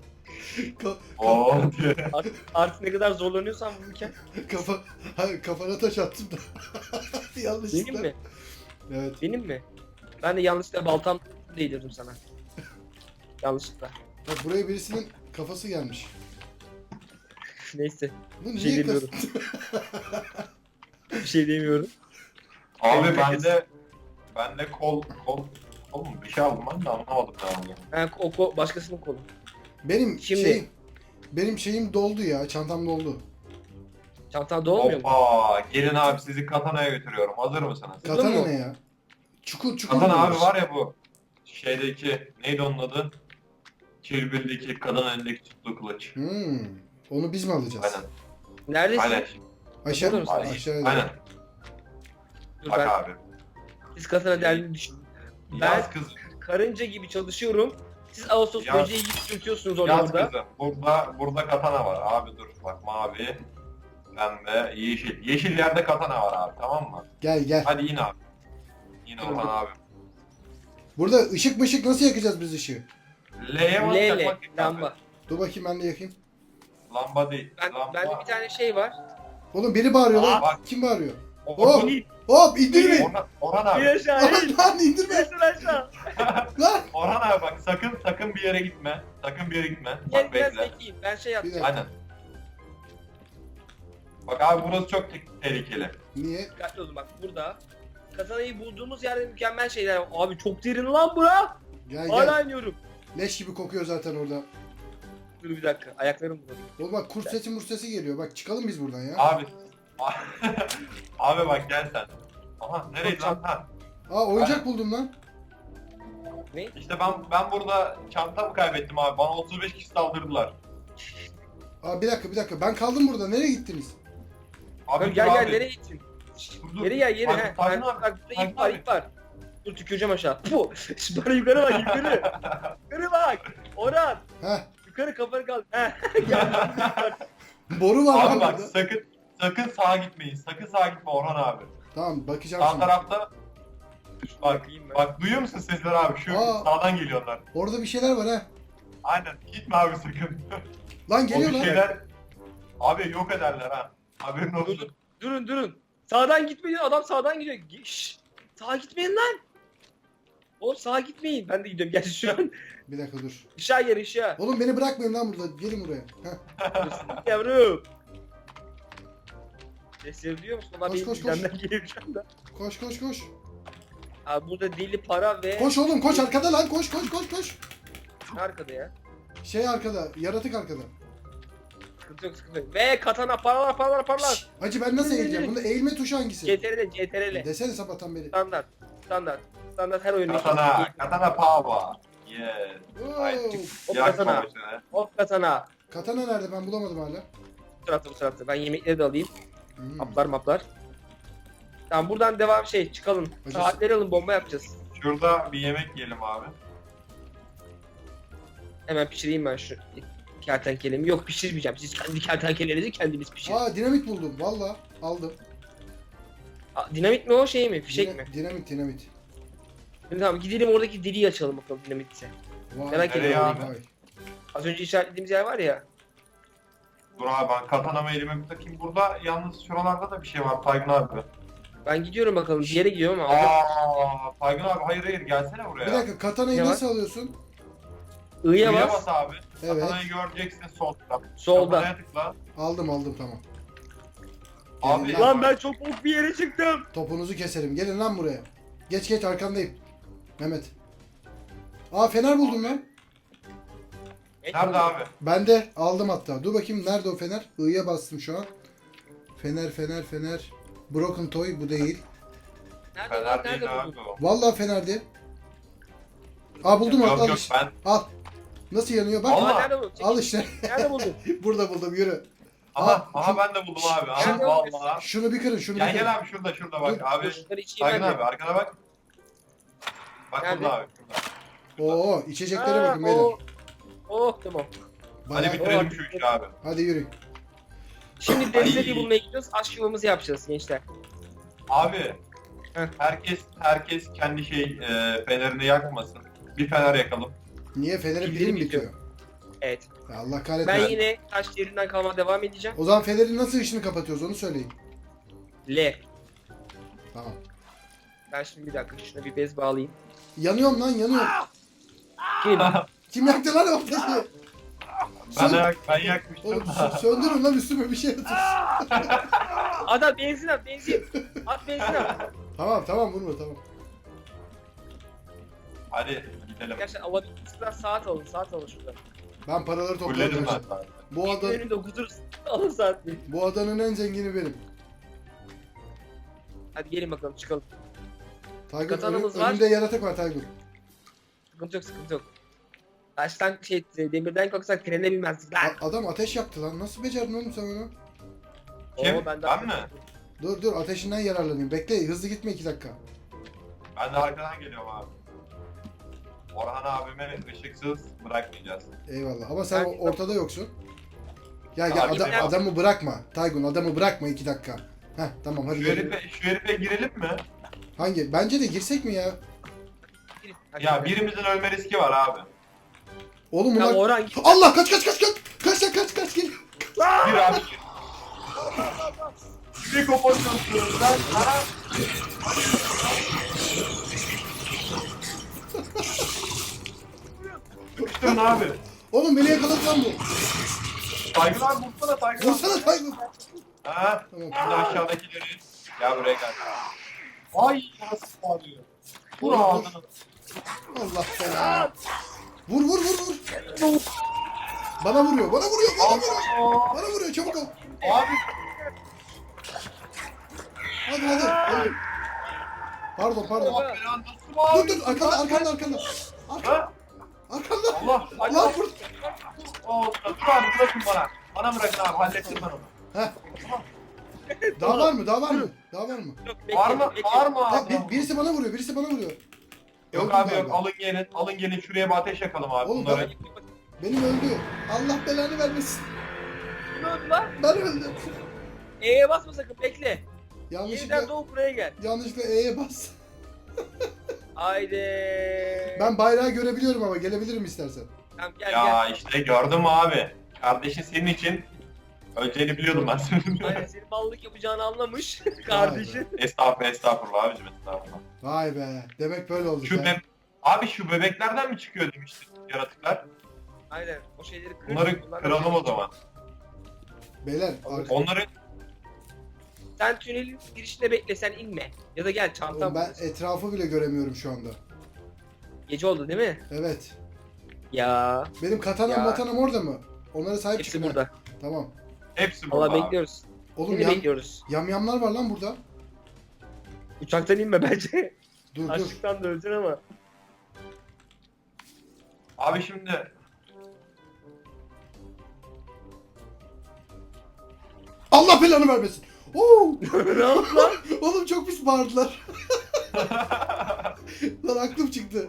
[SPEAKER 3] Oo diye.
[SPEAKER 2] Artık ne kadar zorlanıyorsan vururken.
[SPEAKER 1] Kafana taş attım da. Yanlışlıkla.
[SPEAKER 2] Benim mi?
[SPEAKER 1] Evet.
[SPEAKER 2] Benim mi? Ben de yanlışlıkla baltam değdirdim sana. Yanlışlıkla.
[SPEAKER 1] Bak buraya birisinin kafası gelmiş.
[SPEAKER 2] Neyse.
[SPEAKER 1] Bu
[SPEAKER 2] Bir şey
[SPEAKER 1] niye
[SPEAKER 2] demiyorum. Bir şey demiyorum.
[SPEAKER 3] Abi bende kol mu? Bir şey aldım ben de anlamadım ne aldım.
[SPEAKER 2] Ben başkasının kolu.
[SPEAKER 1] Benim benim şeyim doldu ya. Çantam doldu.
[SPEAKER 2] Çantan dolmuyor mu?
[SPEAKER 3] Hoppa gelin abi sizi katanaya götürüyorum. Hazır mısınız?
[SPEAKER 2] Duydun
[SPEAKER 1] Katana
[SPEAKER 2] mu?
[SPEAKER 1] ne ya? Çukur
[SPEAKER 3] Katana abi
[SPEAKER 1] diyoruz.
[SPEAKER 3] var ya bu. Şeydeki neydi onun adı? Kill Bill'deki kadın elindeki tuttuğu kılıç.
[SPEAKER 1] Onu biz mi alacağız?
[SPEAKER 3] Aynen.
[SPEAKER 2] Neredesin?
[SPEAKER 3] Aynen.
[SPEAKER 1] Aşağı
[SPEAKER 2] Burada mısın?
[SPEAKER 1] aşağıya.
[SPEAKER 3] Aynen.
[SPEAKER 2] Dur
[SPEAKER 3] Bak
[SPEAKER 2] ben
[SPEAKER 3] abi.
[SPEAKER 2] siz katana derdini düşünün.
[SPEAKER 3] Yaz kızım.
[SPEAKER 2] Karınca gibi çalışıyorum. Siz Ağustos
[SPEAKER 3] Ya-
[SPEAKER 2] böceği gibi sürtüyorsunuz
[SPEAKER 3] Yaz
[SPEAKER 2] orada.
[SPEAKER 3] kızım. Burada katana var. Abi dur. Bak mavi. Pembe. Yeşil. Yeşil yerde katana var abi. Tamam mı?
[SPEAKER 1] Gel gel.
[SPEAKER 3] Hadi in abi. İn Orhan abi.
[SPEAKER 1] Burada ışık mışık nasıl yakacağız biz ışığı?
[SPEAKER 3] L'ye bas
[SPEAKER 2] L
[SPEAKER 3] yakmak yok abi.
[SPEAKER 2] lamba.
[SPEAKER 1] Dur bakayım ben de yakayım.
[SPEAKER 3] Lamba değil. Lamba.
[SPEAKER 2] Bende bir tane şey var.
[SPEAKER 1] Oğlum biri bağırıyor lan.
[SPEAKER 3] bak.
[SPEAKER 1] Kim bağırıyor?
[SPEAKER 3] Orhan,
[SPEAKER 1] Hop indirme.
[SPEAKER 3] Orhan abi.
[SPEAKER 2] Bir aşağı in.
[SPEAKER 1] Lan indirme.
[SPEAKER 2] Yaşın aşağı.
[SPEAKER 1] Lan.
[SPEAKER 3] Orhan abi bak sakın bir yere gitme. Sakın bir yere gitme.
[SPEAKER 2] Gel
[SPEAKER 3] Bak
[SPEAKER 2] biraz
[SPEAKER 3] bekle.
[SPEAKER 2] bekleyeyim. Ben şey
[SPEAKER 1] Bir
[SPEAKER 2] yapacağım.
[SPEAKER 1] dakika.
[SPEAKER 3] Aynen. Bak abi burası çok tehlikeli.
[SPEAKER 1] Niye?
[SPEAKER 2] Dikkatli olun bak burada. Katanayı bulduğumuz yerde mükemmel şeyler var. Abi çok derin lan bura.
[SPEAKER 1] Gel
[SPEAKER 2] Hala
[SPEAKER 1] gel.
[SPEAKER 2] iniyorum.
[SPEAKER 1] Leş gibi kokuyor zaten orada.
[SPEAKER 2] Dur bir dakika. Ayaklarım burada.
[SPEAKER 1] Oğlum bak kurt sesi murt sesi geliyor. Bak çıkalım biz buradan ya.
[SPEAKER 3] Abi. Abi bak gel sen. Aha nereydi lan? Ha.
[SPEAKER 1] Aa oyuncak buldum lan.
[SPEAKER 2] Ne?
[SPEAKER 3] İşte ben burada çantamı kaybettim abi. Bana 35 kişi saldırdılar.
[SPEAKER 1] Aa bir dakika. Ben kaldım burada. Nereye gittiniz?
[SPEAKER 3] Abi
[SPEAKER 2] Dur,
[SPEAKER 3] dur
[SPEAKER 2] gel
[SPEAKER 3] abi.
[SPEAKER 2] nereye gittin?
[SPEAKER 3] Dur.
[SPEAKER 2] Geri gel geri.
[SPEAKER 3] Bak,
[SPEAKER 2] He.
[SPEAKER 3] Tayfun
[SPEAKER 2] Ben-
[SPEAKER 3] abi,
[SPEAKER 2] Bak burada
[SPEAKER 3] Tayfun
[SPEAKER 2] ip var
[SPEAKER 3] abi.
[SPEAKER 2] ip var. Dur tüküreceğim aşağı. Puh. Bana yukarı bak yukarı. Yukarı bak. Orhan.
[SPEAKER 1] Heh.
[SPEAKER 2] Yukarı kafanı kaldır. Heh. Gel.
[SPEAKER 1] Boru var lan
[SPEAKER 3] Abi bak
[SPEAKER 1] burada.
[SPEAKER 3] sakın sağa gitmeyin. Sakın sağa gitme Orhan abi.
[SPEAKER 1] Tamam bakacağım
[SPEAKER 3] Sağ
[SPEAKER 1] şimdi.
[SPEAKER 3] tarafta bak
[SPEAKER 2] Bakayım ben.
[SPEAKER 3] bak duyuyor musun sesleri abi? Şu
[SPEAKER 1] Aa.
[SPEAKER 3] sağdan geliyorlar.
[SPEAKER 1] Orada bir şeyler var ha.
[SPEAKER 3] Aynen gitme abi sakın.
[SPEAKER 1] Lan
[SPEAKER 3] O
[SPEAKER 1] geliyor
[SPEAKER 3] bir
[SPEAKER 1] lan.
[SPEAKER 3] şeyler abi yok ederler ha. Haberin olsun.
[SPEAKER 2] Durun. Sağdan gitmeyin. Adam sağdan gidiyor. Şşş. Sağa gitmeyin lan. Oğlum sağa gitmeyin. Ben de gidiyorum. Gerçi şu an
[SPEAKER 1] Bir dakika dur.
[SPEAKER 2] ışığa gel ışığa.
[SPEAKER 1] Oğlum beni bırakmayın lan burada. Gelin buraya. Heh.
[SPEAKER 2] Yavrum. Sesleri duyuyor musun? Onlar
[SPEAKER 1] Koş,
[SPEAKER 2] benim
[SPEAKER 1] koş, koş.
[SPEAKER 2] bizden geliyor şu anda.
[SPEAKER 1] Koş.
[SPEAKER 2] Abi burada deli para ve...
[SPEAKER 1] Koş oğlum koş arkada lan koş.
[SPEAKER 2] Ne arkada ya?
[SPEAKER 1] Şey arkada. Yaratık arkada.
[SPEAKER 2] Sıkıntı yok. Ve katana paralar.
[SPEAKER 1] Şşş, Hacı ben nasıl
[SPEAKER 2] Yürü,
[SPEAKER 1] eğileceğim?
[SPEAKER 2] yürü.
[SPEAKER 1] Bunda eğilme tuşu hangisi?
[SPEAKER 2] CTRL.
[SPEAKER 1] Desene sabahtan beri.
[SPEAKER 2] Standart her oyunun.
[SPEAKER 3] Katana power. Yes.
[SPEAKER 1] Oo.
[SPEAKER 2] Hop
[SPEAKER 3] Yak
[SPEAKER 2] katana.
[SPEAKER 3] savaşları.
[SPEAKER 2] Hop katana.
[SPEAKER 1] Katana nerede? Ben bulamadım hala.
[SPEAKER 2] Bu tarafta. Ben yemekleri de alayım.
[SPEAKER 1] Hmm.
[SPEAKER 2] Maplar. Tamam buradan devam çıkalım.
[SPEAKER 1] Hacı-
[SPEAKER 2] Saatleri alın bomba yapacağız.
[SPEAKER 3] Şurada bir yemek yiyelim abi.
[SPEAKER 2] Hemen pişireyim ben şu kertenkelemi. Yok pişirmeyeceğim. Siz kendi kertenkelerinizi kendiniz pişirin.
[SPEAKER 1] Aa dinamit buldum. Valla aldım.
[SPEAKER 2] Dinamit mi o şey mi? Fişek mi?
[SPEAKER 1] Dinamit.
[SPEAKER 2] Tamam gidelim oradaki deliği açalım bakalım dinamitse.
[SPEAKER 1] Vay.
[SPEAKER 2] Merak
[SPEAKER 3] Nereye
[SPEAKER 2] ediyorum.
[SPEAKER 3] abi?
[SPEAKER 1] Vay.
[SPEAKER 2] Az önce işaretlediğimiz yer var ya.
[SPEAKER 3] Dur abi ben katanamı elime bir takayım. Burada yalnız şuralarda da bir şey var Taygun abi.
[SPEAKER 2] Ben gidiyorum bakalım. Bir yere gidiyorum ama.
[SPEAKER 3] Taygun abi hayır gelsene buraya.
[SPEAKER 1] Bir dakika katanayı
[SPEAKER 2] Ne var?
[SPEAKER 1] nasıl alıyorsun?
[SPEAKER 2] I'ya
[SPEAKER 3] I'ya
[SPEAKER 2] bas.
[SPEAKER 3] bas abi.
[SPEAKER 1] Evet.
[SPEAKER 3] Katanayı göreceksin solda.
[SPEAKER 2] Solda.
[SPEAKER 3] Katanaya tıkla.
[SPEAKER 1] Aldım tamam.
[SPEAKER 3] Abi-
[SPEAKER 1] Gelin lan.
[SPEAKER 2] Lan ben çok bok bir yere çıktım.
[SPEAKER 1] Topunuzu keserim. Gelin lan buraya. Geç arkandayım. Mehmet. Aa fener buldum lan.
[SPEAKER 3] Nerede abi?
[SPEAKER 1] Ben de aldım hatta. Dur bakayım nerede o fener? I'ya bastım şu an. Fener. Broken Toy bu değil.
[SPEAKER 2] Nerede
[SPEAKER 3] Fener
[SPEAKER 2] lan?
[SPEAKER 3] değil
[SPEAKER 2] Nerede
[SPEAKER 3] abi
[SPEAKER 2] buldun?
[SPEAKER 3] o.
[SPEAKER 1] Vallahi fenerdi. Aa buldum
[SPEAKER 3] Yok
[SPEAKER 1] al
[SPEAKER 3] yok
[SPEAKER 1] işte.
[SPEAKER 3] ben.
[SPEAKER 1] Al. Nasıl yanıyor bak.
[SPEAKER 3] Allah.
[SPEAKER 2] Aa, nerede buldun?
[SPEAKER 1] Al işte.
[SPEAKER 2] Nerede buldun?
[SPEAKER 1] Burada buldum yürü.
[SPEAKER 3] Aha
[SPEAKER 1] Aa,
[SPEAKER 3] ben de buldum abi. Aha
[SPEAKER 2] Şurada-
[SPEAKER 3] vallahi.
[SPEAKER 1] Şunu bir kırın şunu bir
[SPEAKER 3] Gel
[SPEAKER 1] kırın.
[SPEAKER 3] gel abi şurada bak
[SPEAKER 1] Dur,
[SPEAKER 3] abi.
[SPEAKER 2] Şunları içeyim
[SPEAKER 3] Taygun
[SPEAKER 2] ben
[SPEAKER 3] abi
[SPEAKER 2] de.
[SPEAKER 3] arkana bak. Bak
[SPEAKER 2] Nerede?
[SPEAKER 3] burada abi şurada.
[SPEAKER 1] Oo içeceklere bakın beyler.
[SPEAKER 2] Oh tamam.
[SPEAKER 3] Hadi
[SPEAKER 1] Bayağı-
[SPEAKER 3] bitirelim şu işi abi.
[SPEAKER 1] Hadi yürü.
[SPEAKER 2] Şimdi Denizli'yi bulmaya gidiyoruz. Aşk yuvamızı yapacağız gençler.
[SPEAKER 3] Abi
[SPEAKER 2] Heh.
[SPEAKER 3] herkes kendi fenerini yakmasın. Bir fener yakalım.
[SPEAKER 1] Niye fenerin
[SPEAKER 2] Pilleri
[SPEAKER 1] pili mi
[SPEAKER 2] bitiyor.
[SPEAKER 1] bitiyor?
[SPEAKER 2] Evet.
[SPEAKER 1] Ya Allah
[SPEAKER 2] Ben
[SPEAKER 1] kahretmesin.
[SPEAKER 2] yine taş yerinden kalma devam edeceğim.
[SPEAKER 1] O zaman fenerin nasıl ışını kapatıyoruz onu söyleyin.
[SPEAKER 2] L.
[SPEAKER 1] Tamam.
[SPEAKER 2] Ben şimdi bir dakika şuna bir bez bağlayayım.
[SPEAKER 1] Yanıyorum lan yanıyorum.
[SPEAKER 2] Kim?
[SPEAKER 1] Kim yaktı lan o ateşi?
[SPEAKER 3] Ben yakmıştım.
[SPEAKER 1] Oğlum söndürün lan üstüme bir şey atın.
[SPEAKER 2] Adam benzin at benzin. At benzin at.
[SPEAKER 1] Tamam vurma tamam.
[SPEAKER 3] Hadi gidelim.
[SPEAKER 2] Gerçekten alabildiğinizden saat alın şuradan.
[SPEAKER 1] Ben paraları
[SPEAKER 3] Fulledim
[SPEAKER 1] topladım.
[SPEAKER 3] ben.
[SPEAKER 1] Bu
[SPEAKER 2] Önünde huzur alın saatini.
[SPEAKER 1] bu adanın en zengini benim.
[SPEAKER 2] Hadi gelin bakalım çıkalım.
[SPEAKER 1] Taygun
[SPEAKER 2] Katanamız var.
[SPEAKER 1] önümde yaratık var Taygun.
[SPEAKER 2] Sıkıntı yok. Taştan demirden kalksak trene binmezdik lan.
[SPEAKER 1] Adam ateş yaktı lan. Nasıl becerdin oğlum sen onu?
[SPEAKER 3] Kim?
[SPEAKER 2] Oo,
[SPEAKER 3] Ben mi?
[SPEAKER 1] Dur ateşinden yararlanayım. Bekle hızlı gitme 2 dakika.
[SPEAKER 3] Ben de arkadan geliyorum abi. Orhan abime ışıksız bırakmayacağız.
[SPEAKER 1] Eyvallah ama sen
[SPEAKER 2] Ben-
[SPEAKER 1] ortada yoksun. Gel
[SPEAKER 3] Abi, ben-
[SPEAKER 1] adamı bırakma. Taygun adamı bırakma 2 dakika. Heh tamam hadi
[SPEAKER 3] Şu
[SPEAKER 1] gel.
[SPEAKER 3] herife girelim mi?
[SPEAKER 1] Hangi? Bence de girsek mi ya?
[SPEAKER 3] Ya birimizin ölme riski var abi.
[SPEAKER 1] Oğlum
[SPEAKER 2] Ya
[SPEAKER 1] bunlar...
[SPEAKER 2] Orhan git.
[SPEAKER 1] Allah kaç geliyor.
[SPEAKER 3] Gir abi gir. Bir koparıyorsun ben sana. Sıkıştın abi.
[SPEAKER 1] Oğlum beni yakaladı lan bu.
[SPEAKER 3] Taygun abi vursana Taygun abi.
[SPEAKER 1] Vursana Taygun.
[SPEAKER 3] Ha?
[SPEAKER 1] Tamam.
[SPEAKER 3] Şimdi aşağıdakileri. Gel buraya gel. Ay nasıl bağırıyor. Vur ağzını.
[SPEAKER 1] Allah belanı. Vur. Bana vuruyor. Bana vuruyor çabuk ol.
[SPEAKER 3] Abi
[SPEAKER 1] Hadi. Pardon.
[SPEAKER 3] Allah belanı nasıl bağırıyor?
[SPEAKER 1] Dur arkanda.
[SPEAKER 3] Ha?
[SPEAKER 1] Arkanda.
[SPEAKER 3] Allah.
[SPEAKER 1] Allah vur.
[SPEAKER 3] Dur abi bırakın bana. Bana bırakın abi hallettim ben onu.
[SPEAKER 1] Heh. Daha var mı?
[SPEAKER 2] Yok, bekle,
[SPEAKER 3] Bağırma,
[SPEAKER 2] bekle.
[SPEAKER 3] bağırma
[SPEAKER 1] Ha,
[SPEAKER 3] abi.
[SPEAKER 1] birisi bana vuruyor.
[SPEAKER 3] Yok
[SPEAKER 1] Öldüm
[SPEAKER 3] abi yok
[SPEAKER 1] galiba.
[SPEAKER 3] alın gelin şuraya bir ateş yakalım abi
[SPEAKER 1] Oğlum,
[SPEAKER 3] bunları.
[SPEAKER 1] Benim öldü. Allah belanı vermesin.
[SPEAKER 2] Ne oldu lan?
[SPEAKER 1] Ben öldüm.
[SPEAKER 2] E'ye basma sakın, bekle. Yeniden
[SPEAKER 1] Yanlışlıkla
[SPEAKER 2] doğup buraya gel.
[SPEAKER 1] E'ye bas.
[SPEAKER 2] Haydi.
[SPEAKER 1] Ben bayrağı görebiliyorum ama gelebilirim istersen.
[SPEAKER 2] Tamam gel
[SPEAKER 3] Ya işte gördüm abi. Kardeşin senin için öleceğini biliyordum ben senin.
[SPEAKER 2] gel. Aynen senin mallık yapacağını anlamış kardeşin.
[SPEAKER 3] Estağfurullah abicim estağfurullah.
[SPEAKER 1] Vay be. Demek böyle oldu.
[SPEAKER 3] Abi şu bebeklerden mi çıkıyor demiştin yaratıklar?
[SPEAKER 2] Aynen o şeyleri kır.
[SPEAKER 3] Bunları
[SPEAKER 2] bunlar-
[SPEAKER 3] kıralım o zaman.
[SPEAKER 1] Beyler
[SPEAKER 3] Onları
[SPEAKER 2] Sen tünelin girişinde bekle, sen inme. Ya da gel çantam.
[SPEAKER 1] ben etrafı bile göremiyorum şu anda.
[SPEAKER 2] Gece oldu değil mi?
[SPEAKER 1] Evet.
[SPEAKER 2] Ya.
[SPEAKER 1] Benim katanam
[SPEAKER 2] Ya.
[SPEAKER 1] matanam orada mı? Onlara sahip
[SPEAKER 2] Hepsi
[SPEAKER 1] çıkın. ha.
[SPEAKER 2] burada.
[SPEAKER 1] Tamam.
[SPEAKER 3] hepsi burada
[SPEAKER 2] Allah
[SPEAKER 3] abi.
[SPEAKER 2] bekliyoruz.
[SPEAKER 1] Oğlum
[SPEAKER 2] Seni bekliyoruz.
[SPEAKER 1] yamyamlar var lan burada.
[SPEAKER 2] Uçaktan inme bence.
[SPEAKER 1] Dur.
[SPEAKER 2] Açlıktan da öleceksin ama.
[SPEAKER 3] Abi şimdi
[SPEAKER 1] Allah belanı vermesin. Oo!
[SPEAKER 2] Ne oldu lan?
[SPEAKER 1] Oğlum çok pis bağırdılar. Lan aklım çıktı.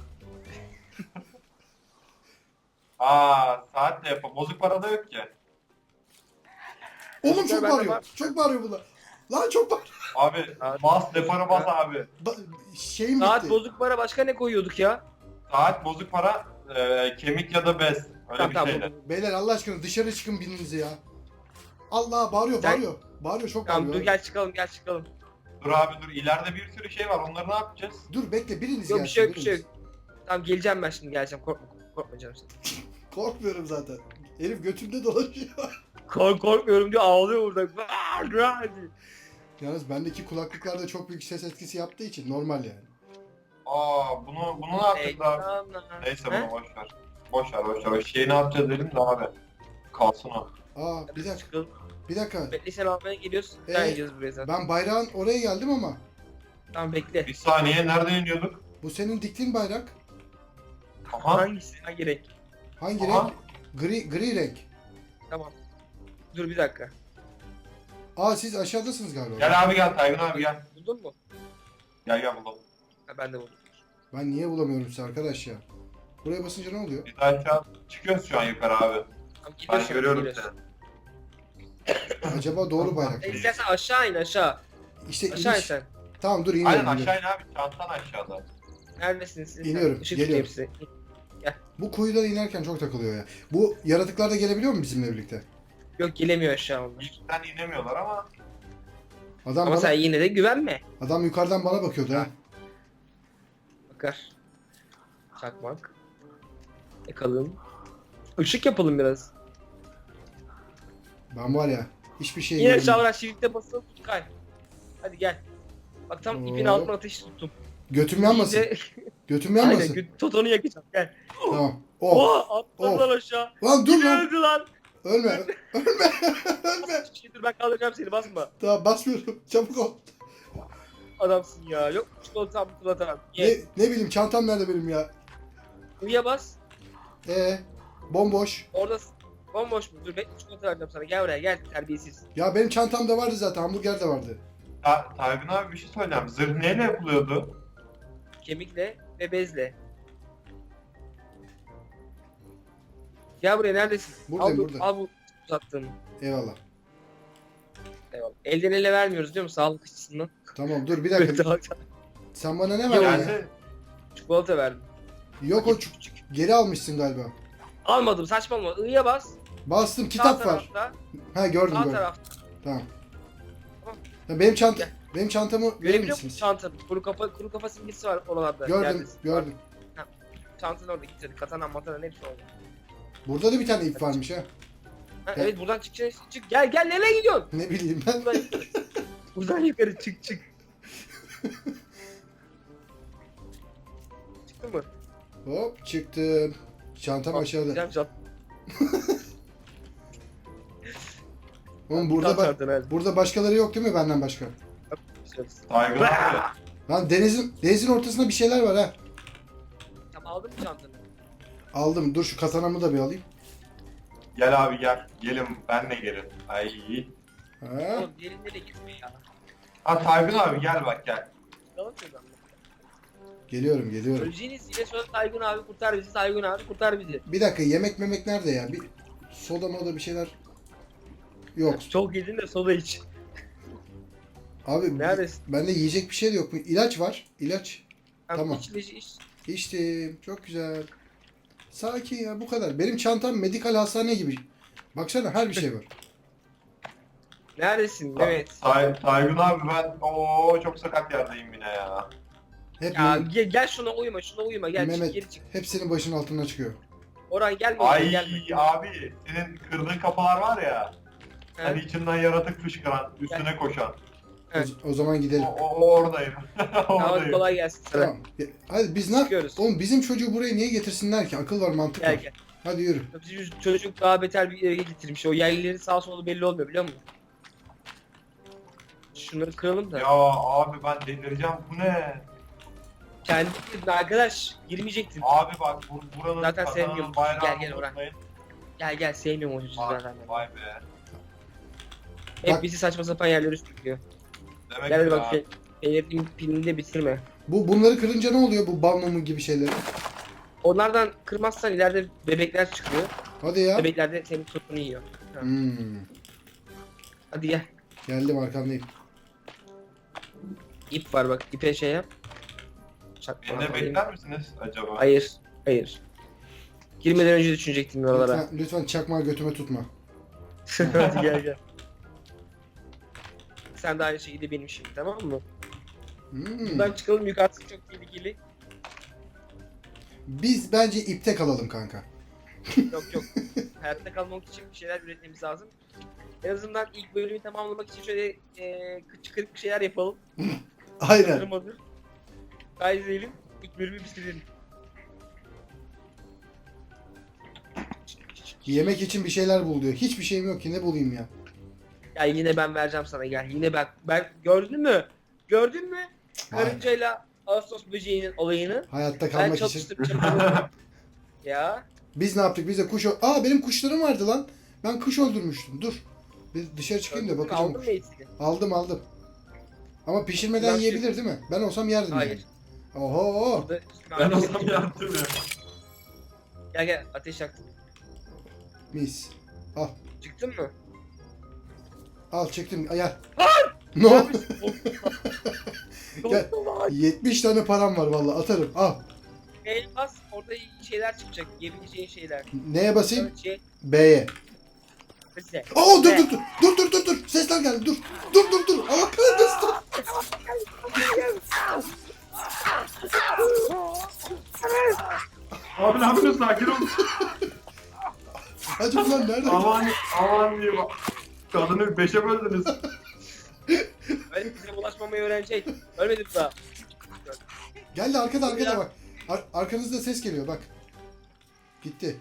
[SPEAKER 3] saat de yapalım. Bozuk para da yok ki.
[SPEAKER 1] Oğlum çok
[SPEAKER 2] Ben de
[SPEAKER 1] bağırıyor.
[SPEAKER 2] var.
[SPEAKER 1] Çok bağırıyor bunlar. Lan çok bağırıyor.
[SPEAKER 3] Abi
[SPEAKER 2] Saat-
[SPEAKER 3] bas defara bas abi.
[SPEAKER 1] Şeyim
[SPEAKER 2] Saat
[SPEAKER 1] bitti.
[SPEAKER 2] bozuk para başka ne koyuyorduk ya?
[SPEAKER 3] Saat bozuk para kemik ya da bez. Öyle
[SPEAKER 2] Tamam
[SPEAKER 3] bir
[SPEAKER 2] tamam.
[SPEAKER 3] şeyler.
[SPEAKER 1] Beyler Allah aşkına dışarı çıkın birinizi ya. Allah bağırıyor
[SPEAKER 2] Sen-
[SPEAKER 1] bağırıyor. Bağırıyor çok
[SPEAKER 2] Tamam dur
[SPEAKER 1] bağırıyor.
[SPEAKER 2] gel çıkalım gel çıkalım.
[SPEAKER 3] Dur abi dur ileride bir sürü şey var onları ne yapacağız?
[SPEAKER 1] Dur bekle biriniz
[SPEAKER 2] Yok bir
[SPEAKER 1] gelsin.
[SPEAKER 2] şey yok bir şey
[SPEAKER 1] biriniz.
[SPEAKER 2] yok. Tamam geleceğim ben şimdi geleceğim korkma canım sen.
[SPEAKER 1] Korkmuyorum zaten. Herif götümde dolaşıyor.
[SPEAKER 2] Korkmuyorum diyor ağlıyor burada. Hadi.
[SPEAKER 1] Yalnız bendeki kulaklıklarda çok büyük ses etkisi yaptığı için normal yani.
[SPEAKER 3] Bunu ne yapacağız abi? Neyse bunu boş ver. Boş ver. O şeyi ne yapacağız dedim de abi. Kalsın o.
[SPEAKER 1] Bir dakika.
[SPEAKER 2] Bekle sen almaya geliyoruz.
[SPEAKER 1] Ee,
[SPEAKER 2] Sen gideceğiz buraya zaten.
[SPEAKER 1] Ben bayrağın oraya geldim ama
[SPEAKER 2] Tamam bekle.
[SPEAKER 3] Bir saniye nereden iniyorduk?
[SPEAKER 1] bu senin diktiğin bayrak.
[SPEAKER 3] Aha.
[SPEAKER 2] Hangisi? Hangi renk?
[SPEAKER 1] Hangi
[SPEAKER 3] Aha.
[SPEAKER 1] renk? Gri renk.
[SPEAKER 2] Tamam. Dur bir dakika.
[SPEAKER 1] Siz aşağıdasınız galiba.
[SPEAKER 3] Gel abi gel Taygun abi gel.
[SPEAKER 2] Buldun mu?
[SPEAKER 3] Gel bulalım.
[SPEAKER 2] Ha, ben de buldum.
[SPEAKER 1] Ben niye bulamıyorum sizi arkadaş ya? Buraya basınca ne oluyor?
[SPEAKER 3] Biz aşağı çıkıyoruz şu an yukarı abi.
[SPEAKER 2] Tamam,
[SPEAKER 3] Ben
[SPEAKER 2] gidiyorsun,
[SPEAKER 3] görüyorum
[SPEAKER 2] gidiyorsun.
[SPEAKER 3] seni.
[SPEAKER 1] Acaba doğru bayrak
[SPEAKER 2] Sen
[SPEAKER 1] mı?
[SPEAKER 2] istersen aşağı in aşağı.
[SPEAKER 1] İşte
[SPEAKER 2] Aşağı in
[SPEAKER 1] iniş.
[SPEAKER 2] sen.
[SPEAKER 1] Tamam dur iniyorum.
[SPEAKER 3] Aynen
[SPEAKER 1] iniyorum.
[SPEAKER 3] aşağı in abi. Çantan aşağıda.
[SPEAKER 2] Neredesiniz siz?
[SPEAKER 1] İniyorum,
[SPEAKER 2] Işık
[SPEAKER 1] geliyorum.
[SPEAKER 2] tutayım size.
[SPEAKER 1] Bu kuyudan inerken çok takılıyor ya. Bu yaratıklar da gelebiliyor mu bizimle birlikte?
[SPEAKER 2] Yok gelemiyor aşağı onlar.
[SPEAKER 3] İlkten inemiyorlar ama
[SPEAKER 1] Adam
[SPEAKER 2] Ama
[SPEAKER 1] bana,
[SPEAKER 2] sen yine de güvenme.
[SPEAKER 1] adam yukarıdan bana bakıyordu ha.
[SPEAKER 2] Bakar. Çakmak. Yakalım. Işık yapalım biraz.
[SPEAKER 1] Ben var ya hiçbir şey
[SPEAKER 2] Yine
[SPEAKER 1] göremiyorum.
[SPEAKER 2] şavra shift'e basılı tut kay. Hadi gel. Bak tam ipin
[SPEAKER 1] Oo.
[SPEAKER 2] altına ateş tuttum.
[SPEAKER 1] Götüm yanmasın.
[SPEAKER 2] İyice-
[SPEAKER 1] Götüm
[SPEAKER 2] Aynen
[SPEAKER 1] yanmasın.
[SPEAKER 2] Totonu yakacağım gel.
[SPEAKER 1] Tamam. Oh.
[SPEAKER 2] Oha atladı
[SPEAKER 1] Oh.
[SPEAKER 2] lan aşağı.
[SPEAKER 1] Lan dur
[SPEAKER 2] Yine
[SPEAKER 1] lan.
[SPEAKER 2] öldü lan.
[SPEAKER 1] Ölme. Ölme.
[SPEAKER 2] Dur ben kaldıracağım seni basma.
[SPEAKER 1] Tamam basmıyorum. Çabuk ol.
[SPEAKER 2] Adamsın ya. Yok çikolatam çikolatam.
[SPEAKER 1] Ne,
[SPEAKER 2] Ye.
[SPEAKER 1] ne bileyim çantam nerede benim ya?
[SPEAKER 2] Buraya bas.
[SPEAKER 1] Bomboş.
[SPEAKER 2] Orada Bomboş mu? Dur bekle çikolata vereceğim sana. Gel buraya gel terbiyesiz.
[SPEAKER 1] Ya benim çantamda vardı zaten, hamburger de vardı.
[SPEAKER 3] Taygun abi bir şey söyleyeceğim. Zırh neyle yapılıyordu?
[SPEAKER 2] Kemikle ve bezle. Gel buraya neredesin?
[SPEAKER 1] Buradayım,
[SPEAKER 2] al,
[SPEAKER 1] buradayım.
[SPEAKER 2] Al bu uzattığını.
[SPEAKER 1] Eyvallah.
[SPEAKER 2] Eyvallah. Elden ele vermiyoruz değil mi? Sağlık açısından.
[SPEAKER 1] Tamam dur bir dakika. Sen bana ne verdin ya?
[SPEAKER 3] Geldi.
[SPEAKER 2] Çikolata verdim.
[SPEAKER 1] Yok o geri almışsın galiba.
[SPEAKER 2] Almadım saçmalama. I'ya bas.
[SPEAKER 1] Bastım,
[SPEAKER 2] Sağ
[SPEAKER 1] kitap var.
[SPEAKER 2] tarafta.
[SPEAKER 1] Ha gördüm
[SPEAKER 2] Sağ
[SPEAKER 1] gördüm.
[SPEAKER 2] tarafta.
[SPEAKER 1] Tamam.
[SPEAKER 2] Tamam.
[SPEAKER 1] Ya benim çanta,
[SPEAKER 2] Gel.
[SPEAKER 1] benim çantamı verir
[SPEAKER 2] Görebiliyor musun
[SPEAKER 1] misiniz?
[SPEAKER 2] çantanı? Kuru kafa simgesi var oralarda.
[SPEAKER 1] Gördüm,
[SPEAKER 2] Neredesin?
[SPEAKER 1] gördüm.
[SPEAKER 2] Çantanın orada getirdi. Katana matana hepsi orada.
[SPEAKER 1] Burada da bir tane ip varmış ha.
[SPEAKER 2] Ha,
[SPEAKER 1] Gel.
[SPEAKER 2] evet buradan çık. Çık. Gel nereye gidiyorsun?
[SPEAKER 1] Ne bileyim ben.
[SPEAKER 2] Buradan yukarı. Buradan yukarı çık. Çıktın mı?
[SPEAKER 1] Hop çıktım. Çantam aşağıda.
[SPEAKER 2] Güzel çant.
[SPEAKER 1] Oğlum burada burada başkaları yok değil mi benden başka?
[SPEAKER 3] Taygun abi.
[SPEAKER 1] Lan denizin ortasında bir şeyler var ha.
[SPEAKER 2] Tamam aldın mı çantanı?
[SPEAKER 1] Aldım. Dur şu katanamı da bir alayım.
[SPEAKER 3] Gel abi gel. Gelin benle gelin. Ay.
[SPEAKER 1] Ha.
[SPEAKER 2] Oğlum diğerinde de gitme ya.
[SPEAKER 3] Ha Taygun abi gel bak gel.
[SPEAKER 2] Yalan şuradan.
[SPEAKER 1] Geliyorum, geliyorum.
[SPEAKER 2] Öleceğiniz yine sonra Taygun abi kurtar bizi. Taygun abi kurtar bizi.
[SPEAKER 1] Bir dakika, yemek memek nerede ya? Bir soda moda bir şeyler. Yok.
[SPEAKER 2] Çok yedin de soda iç.
[SPEAKER 1] Abi
[SPEAKER 2] Neredesin?
[SPEAKER 1] bende yiyecek bir şey de yok mu? İlaç var. İlaç. Tamam.
[SPEAKER 2] İç.
[SPEAKER 1] İçtim. Çok güzel. Sakin ya, bu kadar. Benim çantam medikal hastane gibi. Baksana her bir şey var.
[SPEAKER 2] Neredesin? Evet.
[SPEAKER 3] Taygun abi ben çok sakat yerdeyim yine ya.
[SPEAKER 1] Hep
[SPEAKER 2] Ya gel şuna uyuma gel
[SPEAKER 1] Mehmet,
[SPEAKER 2] çık geri çık.
[SPEAKER 1] hepsinin başının altından çıkıyor.
[SPEAKER 2] Orhan gelme
[SPEAKER 3] Ay
[SPEAKER 2] gelme.
[SPEAKER 3] abi senin kırdığın kapılar var ya.
[SPEAKER 2] He.
[SPEAKER 3] Hani içinden yaratık fışkıran, üstüne koşan.
[SPEAKER 2] Evet.
[SPEAKER 1] O zaman gidelim.
[SPEAKER 3] O oradayım.
[SPEAKER 2] Tamam
[SPEAKER 3] Oradayım.
[SPEAKER 2] kolay gelsin sana.
[SPEAKER 1] Tamam. Hadi biz ne
[SPEAKER 2] Çıkıyoruz.
[SPEAKER 1] Oğlum bizim çocuğu buraya niye getirsinler ki? Akıl var, mantık
[SPEAKER 2] Gel
[SPEAKER 1] var.
[SPEAKER 2] gel.
[SPEAKER 1] Hadi yürü.
[SPEAKER 2] Bizim çocuk daha beter bir yere getirmiş. O yerlilerin sağ solu belli olmuyor biliyor musun? Şunları kıralım da.
[SPEAKER 3] Ya abi ben delireceğim bu ne?
[SPEAKER 2] Kendi arkadaş girmeyecektin.
[SPEAKER 3] Abi bak buranın
[SPEAKER 2] Zaten
[SPEAKER 3] katanın
[SPEAKER 2] sevmiyorum.
[SPEAKER 3] bayrağını
[SPEAKER 2] Gel Orhan.
[SPEAKER 3] unutmayın.
[SPEAKER 2] Gel sevmiyorum o çocuğu zaten.
[SPEAKER 3] Vay be.
[SPEAKER 2] Hep
[SPEAKER 1] Bak-
[SPEAKER 2] bizi saçma sapan yerlere sürüklüyor.
[SPEAKER 3] Demek
[SPEAKER 2] Gel
[SPEAKER 3] ki
[SPEAKER 2] bak
[SPEAKER 3] ya.
[SPEAKER 2] Peynir'in pilini de bitirme.
[SPEAKER 1] Bunları kırınca ne oluyor, bu bal mumu gibi şeyleri?
[SPEAKER 2] Onlardan kırmazsan ileride bebekler çıkıyor.
[SPEAKER 1] Hadi ya.
[SPEAKER 2] Bebekler de senin tutunu yiyor.
[SPEAKER 1] Hmm.
[SPEAKER 2] Hadi gel.
[SPEAKER 1] Geldim, arkandayım.
[SPEAKER 2] İp var bak. İpe şey yap. Çakma.
[SPEAKER 3] Beni de bekler misiniz acaba?
[SPEAKER 2] Hayır. Girmeden önce düşünecektim oralara.
[SPEAKER 1] Lütfen çakmağı götüme tutma.
[SPEAKER 2] Hadi gel. Sen de aynı şekilde benim şimdi tamam mı?
[SPEAKER 1] Hmm.
[SPEAKER 2] Buradan çıkalım yukarısı çok tehlikeli.
[SPEAKER 1] Biz bence ipte kalalım kanka.
[SPEAKER 2] Yok. Hayatta kalmak için bir şeyler üretmemiz lazım. En azından ilk bölümü tamamlamak için şöyle kırık bir şeyler yapalım.
[SPEAKER 1] Aynen.
[SPEAKER 2] Hazır. Kaydedelim. İlk bölümü bitirelim.
[SPEAKER 1] Yemek için bir şeyler bul diyor. Hiçbir şeyim yok ki, ne bulayım ya?
[SPEAKER 2] Ya yine ben vereceğim sana gel. Yine ben gördün mü?
[SPEAKER 1] Vay.
[SPEAKER 2] Karıncayla Ağustos böceğinin olayını.
[SPEAKER 1] Hayatta
[SPEAKER 2] Ben
[SPEAKER 1] kalmak için.
[SPEAKER 2] çalıştıracağım. Ya.
[SPEAKER 1] Biz ne yaptık? Biz de Aa, benim kuşlarım vardı lan. Ben kuş öldürmüştüm. Dur. Bir dışarı çıkayım da bakacağım.
[SPEAKER 2] Aldın mı eğitini?
[SPEAKER 1] Aldım. Ama pişirmeden
[SPEAKER 2] Nasıl?
[SPEAKER 1] yiyebilir değil mi? Ben olsam yerdim
[SPEAKER 2] Hayır.
[SPEAKER 1] yani. Oho.
[SPEAKER 2] Burada-
[SPEAKER 3] Ben o zaman yaptım ya.
[SPEAKER 2] Gel ateş yaktım.
[SPEAKER 1] Mis. Al.
[SPEAKER 2] Çıktın mı?
[SPEAKER 1] Al çektim. Gel. Ne oldu? Gel.
[SPEAKER 2] Gel.
[SPEAKER 1] 70 tane param var vallahi, atarım. Al.
[SPEAKER 2] Bas orada şeyler çıkacak. Yiyebileceğin şeyler.
[SPEAKER 1] Neye basayım?
[SPEAKER 2] Evet, şey.
[SPEAKER 1] B'ye.
[SPEAKER 2] Bize.
[SPEAKER 1] Oo dur
[SPEAKER 2] Ne?
[SPEAKER 1] dur. Sesler geldi. Dur. Allah kahretsin.
[SPEAKER 3] Abi ne yapıyorsun sakin ol.
[SPEAKER 1] Hadi ulan nerede?
[SPEAKER 3] Aman diye bak. Kadını 5'e böldünüz.
[SPEAKER 2] Öyle bize bulaşmamayı öğrenecek. Ölmedim daha.
[SPEAKER 1] Geldi arkada bak. Arkanızda ses geliyor bak. Gitti.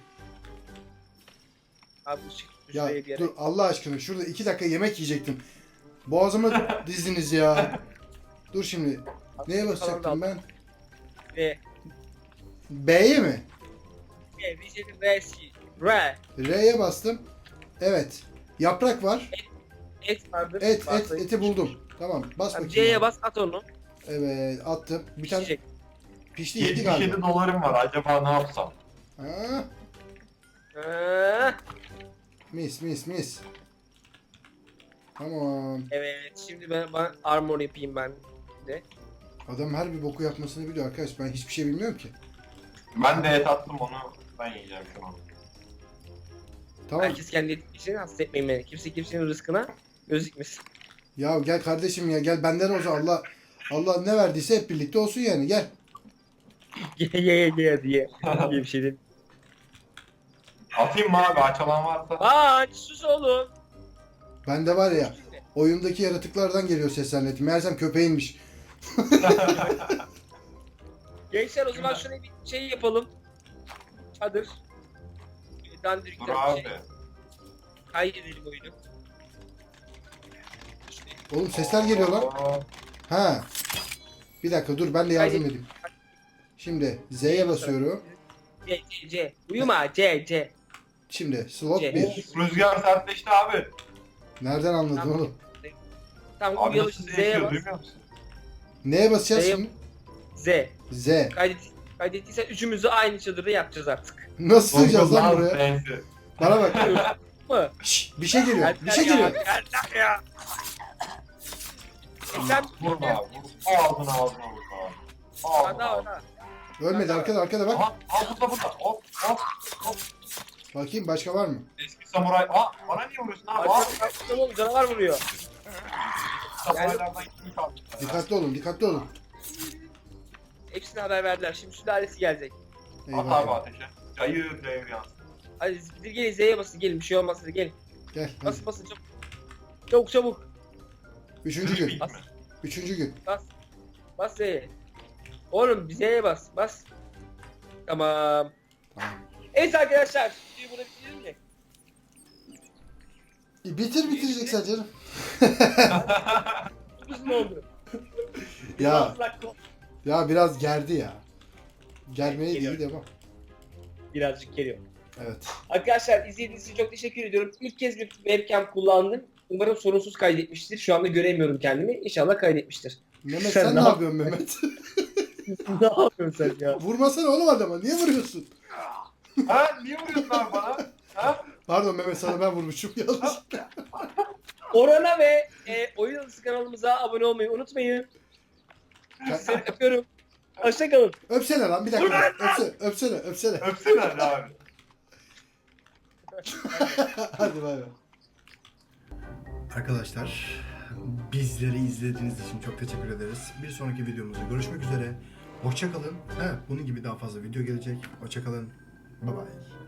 [SPEAKER 2] Abi ışık
[SPEAKER 1] Ya
[SPEAKER 2] şuraya bir yere.
[SPEAKER 1] dur Allah aşkına, şurada 2 dakika yemek yiyecektim. Boğazıma dizdiniz ya. Dur şimdi. Neye basacaktım ben?
[SPEAKER 2] Ve
[SPEAKER 1] B'ye mi?
[SPEAKER 2] Vision Resi. R.
[SPEAKER 1] R'ye bastım. Evet. Yaprak var.
[SPEAKER 2] Et vardır.
[SPEAKER 1] Eti buldum. Tamam, bas
[SPEAKER 2] Tamam,
[SPEAKER 1] bakayım.
[SPEAKER 2] C'ye
[SPEAKER 1] abi.
[SPEAKER 2] bas at onu.
[SPEAKER 1] Evet, attım. Bir tane
[SPEAKER 2] Pişecek.
[SPEAKER 1] pişti, yedi
[SPEAKER 3] 77
[SPEAKER 1] galiba.
[SPEAKER 3] dolarım var. Acaba ne yapsam?
[SPEAKER 1] Ha,
[SPEAKER 2] Ha,
[SPEAKER 1] mis. Tamam.
[SPEAKER 2] evet şimdi ben armor yapayım ben de.
[SPEAKER 1] Adam her bir boku yapmasını biliyor arkadaş. Ben hiçbir şey bilmiyorum ki.
[SPEAKER 3] Ben de et attım onu. Ben yiyeceğim şu an.
[SPEAKER 1] Tamam.
[SPEAKER 2] Herkes kendi etkisini hasta etmeyin beni. Kimse kimsenin rızkına göz dikmesin.
[SPEAKER 1] Ya gel kardeşim ya, gel benden olsun. Allah ne verdiyse hep birlikte olsun yani, gel.
[SPEAKER 2] Ye diye bir şey değil.
[SPEAKER 3] Atayım mı abi? Açalan varsa.
[SPEAKER 2] Aa sus oğlum.
[SPEAKER 1] Bende var ya, oyundaki yaratıklardan geliyor sesler netim. Meğersem köpeğinmiş.
[SPEAKER 2] Gençler o zaman şöyle bir şey yapalım. Çadır. Bir
[SPEAKER 3] Dur
[SPEAKER 2] dandirikten
[SPEAKER 3] abi.
[SPEAKER 2] bir şey. Kaydedelim oyunu. İşte,
[SPEAKER 1] Oğlum sesler geliyor lan.
[SPEAKER 3] Oo.
[SPEAKER 1] Ha. Bir dakika dur, ben de yardım
[SPEAKER 2] Haydi.
[SPEAKER 1] edeyim. Şimdi Z'ye basıyorum.
[SPEAKER 2] C. Uyuma C.
[SPEAKER 1] Şimdi slot
[SPEAKER 2] C.
[SPEAKER 1] 1.
[SPEAKER 3] Rüzgar sertleşti abi.
[SPEAKER 1] Nereden anladın
[SPEAKER 2] Tamam.
[SPEAKER 1] oğlum?
[SPEAKER 2] Tamam
[SPEAKER 3] Abi
[SPEAKER 2] uyuyalım
[SPEAKER 3] nasıl
[SPEAKER 2] Z'ye
[SPEAKER 3] değişiyor
[SPEAKER 2] bas.
[SPEAKER 3] duymuyor musun?
[SPEAKER 1] Neye basacağız
[SPEAKER 2] Z'ye-
[SPEAKER 1] şimdi?
[SPEAKER 2] Z.
[SPEAKER 1] Z.
[SPEAKER 2] Kaydettiysen üçümüz de aynı çadırda yapacağız artık.
[SPEAKER 1] Nasıl sığacağız lan buraya?
[SPEAKER 3] Sensi.
[SPEAKER 1] Bana bak.
[SPEAKER 2] Mı?
[SPEAKER 1] Şşş, bir şey geliyor. Bir şey
[SPEAKER 2] Yeter ya,
[SPEAKER 1] geliyor.
[SPEAKER 2] yeter ya. Sen
[SPEAKER 3] Vurma abi. Ağzına vur abi.
[SPEAKER 2] Ana.
[SPEAKER 1] Ölmedi, arkada bak.
[SPEAKER 3] Aha burada. Hop.
[SPEAKER 1] Bakayım başka var mı?
[SPEAKER 3] Eski samuray. Bana niye vuruyorsun abi?
[SPEAKER 2] Oğlum canavar vuruyor.
[SPEAKER 3] Samuraylardan kim kaldı?
[SPEAKER 1] Dikkatli olun.
[SPEAKER 2] Hepsine haber verdiler. Şimdi sülalesi gelecek.
[SPEAKER 3] At
[SPEAKER 1] Eyvah.
[SPEAKER 3] abi
[SPEAKER 1] eyvah.
[SPEAKER 3] ateşe. Cayır yansın.
[SPEAKER 2] Hadi gelin Z'ye basın gelin bir şey olmaz hadi gelin.
[SPEAKER 1] Gel. Hadi.
[SPEAKER 2] Basın çabuk. Çabuk.
[SPEAKER 1] Üçüncü gün.
[SPEAKER 2] Bas.
[SPEAKER 1] Üçüncü gün.
[SPEAKER 2] Bas Z'ye. Oğlum bir Z'ye bas. Tamam.
[SPEAKER 1] Tamam.
[SPEAKER 2] Evet arkadaşlar. Videoyu burada bitirelim mi?
[SPEAKER 1] Bitireceksen canım.
[SPEAKER 2] Uzun oldu.
[SPEAKER 1] Ya
[SPEAKER 2] Biraz dakika-
[SPEAKER 1] ya biraz gerdi ya. Germeye
[SPEAKER 2] Geliyor.
[SPEAKER 1] değil ama.
[SPEAKER 2] Birazcık geliyor.
[SPEAKER 1] Evet.
[SPEAKER 2] Arkadaşlar izlediğiniz için çok teşekkür ediyorum. İlk kez bir webcam kullandım. Umarım sorunsuz kaydetmiştir. Şu anda göremiyorum kendimi. İnşallah kaydetmiştir.
[SPEAKER 1] Mehmet
[SPEAKER 2] Sen
[SPEAKER 1] sen
[SPEAKER 2] ne
[SPEAKER 1] ne yapıyorsun Mehmet?
[SPEAKER 2] Ne yapıyorsun sen ya?
[SPEAKER 1] Vurmasana oğlum adama. Niye vuruyorsun?
[SPEAKER 3] Ha? Niye vuruyorsun abi bana? Ha?
[SPEAKER 1] Pardon Mehmet, sana ben vurmuşum yanlış.
[SPEAKER 2] Orana ve Oyun Odası kanalımıza abone olmayı unutmayın. Seni öpüyorum. Hoşçakalın.
[SPEAKER 1] Öpsene lan bir dakika. Öpsene.
[SPEAKER 3] Öpsene hadi abi.
[SPEAKER 1] Hadi bay bay. Arkadaşlar, bizleri izlediğiniz için çok teşekkür ederiz. Bir sonraki videomuzda görüşmek üzere. Hoşça kalın. Bunun gibi daha fazla video gelecek. Hoşça kalın. Bye bye.